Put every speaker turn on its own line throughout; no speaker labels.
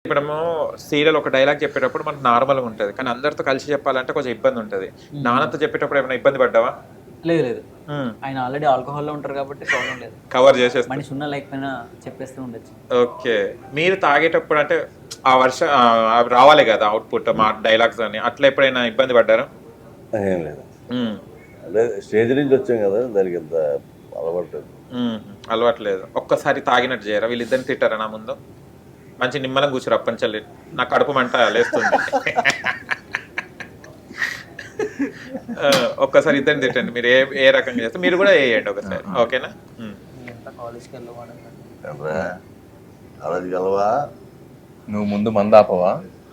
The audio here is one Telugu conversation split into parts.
ఇప్పుడేమో సీరియల్ ఒక డైలాగ్ చెప్పేటప్పుడు మనకు నార్మల్గా ఉంటుంది, కానీ అందరితో కలిసి చెప్పాలంటే కొంచెం ఇబ్బంది ఉంటుంది. నాన్నతో చెప్పేటప్పుడు ఏమైనా ఇబ్బంది పడ్డావా?
లేదు లేదు, ఆయన ఆల్రెడీ ఆల్కహాల్లో ఉంటారు కాబట్టి ప్రాబ్లం లేదు.
కవర్ చేసేస్తా.
మనిషి ఉన్న లేకపోయినా చెప్పేస్తూ ఉండొచ్చు.
ఓకే, మీరు తాగేటప్పుడు అంటే ఆ అవి రావాలి కదా అవుట్పుట్, మా డైలాగ్స్ అని, అట్లా ఎప్పుడైనా ఇబ్బంది పడ్డారా?
ఏం లేదు, అదే స్టేజ్ నుంచి వచ్చాం కదా, దానికి ఎంత అలవాటు
అలవాట్లేదు. ఒక్కసారి తాగినట్టు చేయరా? వీళ్ళిద్దరిని తిట్టారా నా ముందు? మంచి నిమ్మలం కూర్చోరు అప్పంచల్లి, నా కడుపు మంట లేస్తుంది. ఒక్కసారి ఇద్దరిని తిట్టండి. మీరు ఏ రకంగా చేస్తే మీరు కూడా వేయండి ఒకసారి, ఓకేనా?
కాలేజ్కి
వెళ్ళవా?
నువ్వు ముందు మందు ఆపవా?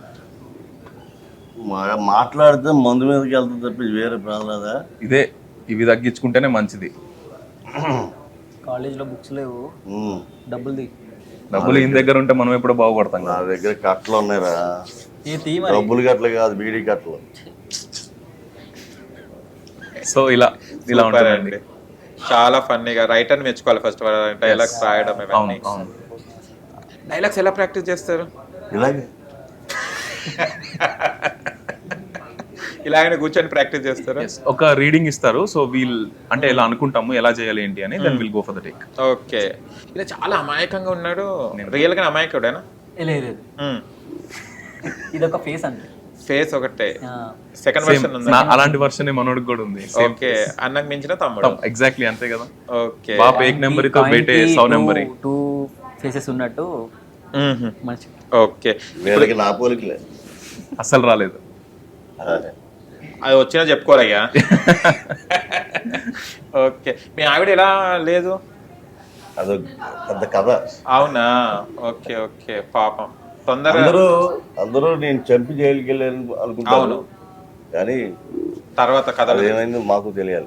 మాట్లాడితే మందు మీదకి వెళ్తుంది తప్పి వేరే ప్రాణాలదా?
ఇవి తగ్గించుకుంటేనే మంచిది.
కాలేజ్లో బుక్స్ లేవు,
డబ్బులు ఈయన దగ్గర ఉంటే మనం ఎప్పుడు బాగుపడతాం.
నా దగ్గర కట్టలు ఉన్నాయిరా, డబ్బులు కట్టలు కాదు, బీడీ కట్టలు.
సో ఇలా ఉంటారండి.
చాలా ఫన్నీగా రైటర్ మెచ్చుకోవాలి ఫస్ట్, డైలాగ్స్ రాయడం. డైలాగ్స్ ఎలా ప్రాక్టీస్ చేస్తారు?
ఇలాగే
ఇలాగనే కూర్చొని ప్రాక్టీస్ చేస్తారు.
ఒక రీడింగ్ ఇస్తారు, సో అంటే ఎలా అనుకుంటాము, ఎలా చేయాలి ఏంటి అని, then will go for the take.
Okay, ఇలా చాలా అమాయకంగా ఉన్నాడు. రియల్ గా అమాయకుడేనా?
లేదు, ఇదొక ఫేస్ అంతే.
ఫేస్ ఒకటే, సెకండ్ వర్షన్ ఉంది.
అలాంటి వర్షన్ మనోడికి కూడా ఉంది.
ఓకే, అన్నకు మించిన తమ్ముడు.
ఎగ్జాక్ట్లీ అంతే కదా.
ఓకే,
బాప్ ఏక్ నెంబర్ తో బేటే 100 నెంబర్.
టూ ఫేసెస్ ఉన్నట్టు మంచి.
ఓకే,
వీళ్ళకి నా పోలికలే
అస్సలు రాలేదు.
అది వచ్చినా చెప్పుకోరయ్యా. ఓకే, మీ ఆవిడ ఎలా లేదు?
అదో పెద్ద కథ.
అవునా? ఓకే ఓకే, పాపం. తొందరగా
అందరూ నేను చంపి జైలుకి వెళ్ళాను అనుకుంటాను, కానీ
తర్వాత కథ
ఏమైందో మాకు తెలియాలి.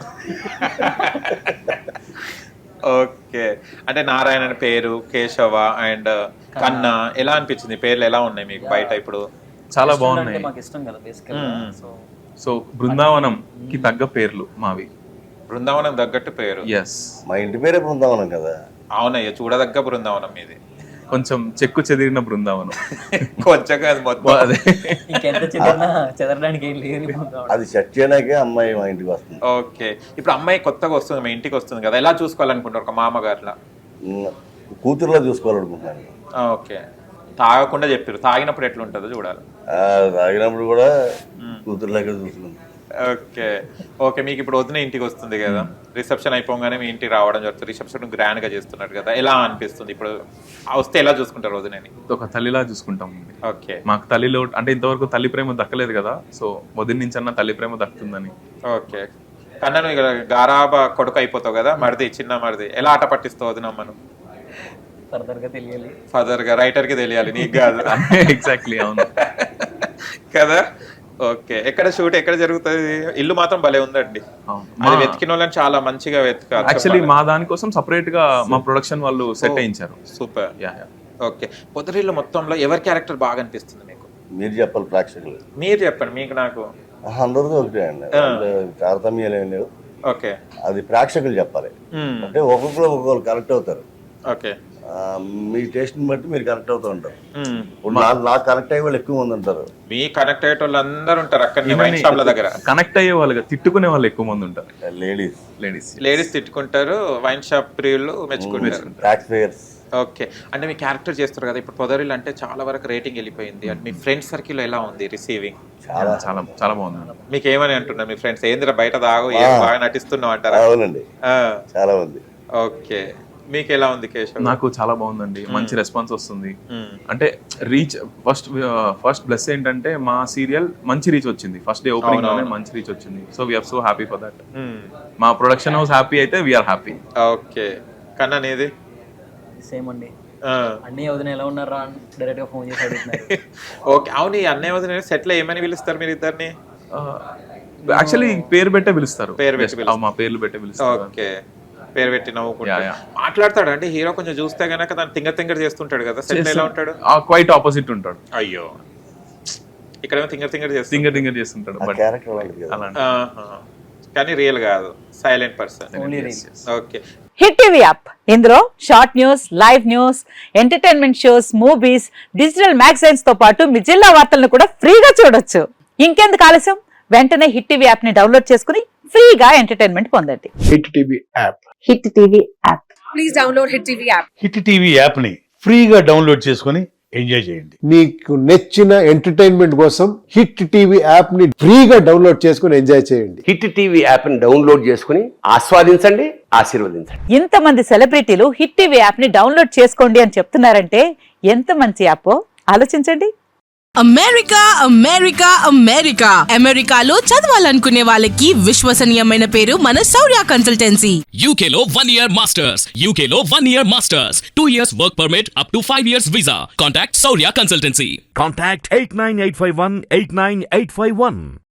ఓకే, అంటే నారాయణ అని పేరు, కేశవ అండ్ కన్నా ఎలా అనిపించింది? పేర్లు ఎలా ఉన్నాయి మీకు బయట ఇప్పుడు?
చాలా బాగున్నాయి.
మాకు ఇష్టం కదా బేసికల్లీ.
సో బృందావనం కి తగ్గ పేర్లు మావి.
బృందావనం తగ్గట్టు పేరు.
ఎస్,
మా ఇంటి పేరే బృందావనం కదా.
అవునయ్య, చూడదగ్గ బృందావనం మీది.
కొంచెం చెక్కు చెదిరిన బృందావనం.
కొంచెం కాదు, మొత్తం.
అదే,
ఇంకెంత చెదరడానికి ఏం లేదు.
అది సెట్ చేయడానికే అమ్మాయి మా ఇంటికి వస్తుంది.
ఓకే, ఇప్పుడు అమ్మాయి కొత్తగా వస్తుంది, మా ఇంటికి వస్తుంది కదా, ఎలా చూసుకోవాలనుకుంటారు ఒక మామగారులా?
కూతురులా చూసుకోవాలనుకుంటున్నాను.
ఓకే, తాగకుండా చెప్పారు, తాగినప్పుడు ఎట్లుంటుందో చూడాలి.
తాగినప్పుడు కూడా కూతురులాగా చూసుకుంది.
ఓకే ఓకే, మీకు ఇప్పుడు వదిన ఇంటికి వస్తుంది కదా, రిసెప్షన్ అయిపోగానే మీ ఇంటికి రావడం జరుగుతుంది. రిసెప్షన్ గ్రాండ్ గా చేస్తున్నారు కదా, ఎలా అనిపిస్తుంది? ఇప్పుడు వస్తే ఎలా చూసుకుంటారు వదినని?
ఒక తల్లిలా చూసుకుంటాం.
ఓకే,
మాకు తల్లిలో అంటే ఇంతవరకు తల్లి ప్రేమ దక్కలేదు కదా, సో వదిన నుంచి అన్న తల్లి ప్రేమ దక్కుతుందని.
ఓకే, కన్నా నువ్వు గారాబా కొడుకు అయిపోతావు కదా, మరిది, చిన్న మరిది, ఎలా ఆట పట్టిస్తావు వదినమ్మను? ఫర్దర్ గా రైటర్ కి తెలియాలి, నీకు కాదు.
ఎగ్జాక్ట్లీ, అవును
కదా. ఓకే, ఎక్కడ షూట్ ఎక్కడ జరుగుతుంది? ఇల్లు మాత్రం భలే ఉందండి. అది వెతికిన వాళ్ళని చాలా మంచిగా వెతకాలి.
యాక్చువల్లీ మా దానికోసం సపరేట్ గా మా ప్రొడక్షన్ వాళ్ళు సెట్ అయించారు.
సూపర్. ఓకే, పొదరిల్లు మొత్తంలో ఎవరి క్యారెక్టర్ బాగా అనిపిస్తుంది మీకు?
మీరు చెప్పాలి, ప్రేక్షకులు.
మీరు చెప్పండి, మీకు నాకు
అందరితో ఒకటే అండి, తారతమ్యాలు ఏం లేవు.
ఓకే,
అది ప్రేక్షకులు చెప్పాలి. అంటే ఒక్కొక్కరు కరెక్ట్ అవుతారు.
ఓకే,
మీ టేస్ట్ ని బట్టి మీరు కనెక్ట్ అవుతూ ఉంటారు. నాకు కనెక్ట్ అయ్యే వాళ్ళు ఎక్కువ మంది ఉంటారు.
మీ కనెక్ట్ అయ్యే వాళ్ళు అందరూ ఉంటారు అక్కడ వైన్ షాప్ల దగ్గర.
కనెక్ట్ అయ్యే వాళ్ళు, తిట్టుకునే వాళ్ళు ఎక్కువ మంది ఉంటారు.
లేడీస్
తిట్టుకుంటారు, వైన్ షాప్ ప్రియులు మెచ్చుకుంటారు. ఓకే, అంటే మీ క్యారెక్టర్ చేస్తారు కదా ఇప్పుడు పొదరిల్లు, అంటే చాలా వరకు రేటింగ్ వెళ్ళిపోయింది. అంటే మీ ఫ్రెండ్స్ సర్కిల్ ఎలా ఉంది రిసీవింగ్?
చాలా చాలా చాలా బాగుంది.
మీకు ఏమని అంటున్నారు మీ ఫ్రెండ్స్? ఏందిరా బయట దాగు, బాగా నటిస్తున్నావు అంటారా?
అవునండి, చాలా ఉంది.
ఓకే, మీకు ఎలా ఉంది కేశవ్?
నాకు చాలా బాగుందండి, మంచి రెస్పాన్స్ వస్తుంది. అంటే రీచ్ ఫస్ట్ ప్లస్ ఏంటంటే మా సీరియల్ మంచి రీచ్ వచ్చింది. ఫస్ట్ డే ఓపెనింగ్ లోనే మంచి రీచ్ వచ్చింది. So we are so happy for that. మా ప్రొడక్షన్ హౌస్ హ్యాపీ అయితే వీఆర్ హ్యాపీ.
ఓకే, కన్నా నీది?
సేమ్ అండి. అన్నయ్య వదిన ఎలా ఉన్నారా అని డైరెక్ట్ గా ఫోన్ చేసి అడుగుతున్నారు.
ఓకే, అవును, ఈ అన్నయ్య వదిన సెట్ లో ఏమని పిలుస్తారు మీరు ఇద్దరిని?
యాక్చువల్లీ పేరు పెట్టే పిలుస్తారు.
మా
పేర్లు పెట్టే పిలుస్తారు.
ఓకే, పేరు పెట్టి నవ్వుకుంటాడు. మాట్లాడతాడు అంటే హీరో కొంచెం చూస్తే గనక దాన్ని తింగర్ చేస్తుంటాడు కదా, సెట్ ఎలా ఉంటాడు?
క్వైట్ ఆపోజిట్ ఉంటాడు.
అయ్యో, ఇక్కడ తింగర్
తింగర్ చేస్తుంటాడు.
కానీ రియల్ కాదు, silent person.
Only reel.
Okay.
Hit TV app ఇందులో short news, live news, entertainment shows, movies, digital magazines తో పాటు మీ జిల్లా వార్తలను కూడా ఫ్రీగా చూడొచ్చు. ఇంకెందుకు ఆలస్యం, వెంటనే హిట్ టీవీ యాప్ ని డౌన్లోడ్ చేసుకుని ఫ్రీగా ఎంటర్టైన్మెంట్ పొందండి.
Hit TV app.
Hit TV app.
Please download Hit TV app.
Hit TV app ని ఫ్రీగా డౌన్లోడ్ చేసుకొని ఎంజాయ్ చేయండి.
మీకు నచ్చిన ఎంటర్టైన్మెంట్ కోసం హిట్ టీవీ యాప్ ని ఫ్రీగా డౌన్లోడ్ చేసుకుని ఎంజాయ్ చేయండి.
హిట్ టీవీ యాప్ని డౌన్లోడ్ చేసుకుని ఆస్వాదించండి, ఆశీర్వదించండి.
ఇంతమంది సెలబ్రిటీలు హిట్ టీవీ యాప్ ని డౌన్లోడ్ చేసుకోండి అని చెప్తున్నారంటే ఎంత మంచి యాప్ ఆలోచించండి.
అమెరికా అమెరికా అమెరికా అమెరికాలో చదవాలనుకునే వాళ్ళకి విశ్వసనీయమైన పేరు మన శౌర్య కన్సల్టెన్సీ.
UK లో 1 year masters. UK లో 1 year masters. 2 years work permit up to 5 years visa. Contact Saurya Consultancy.
Contact 89851 89851.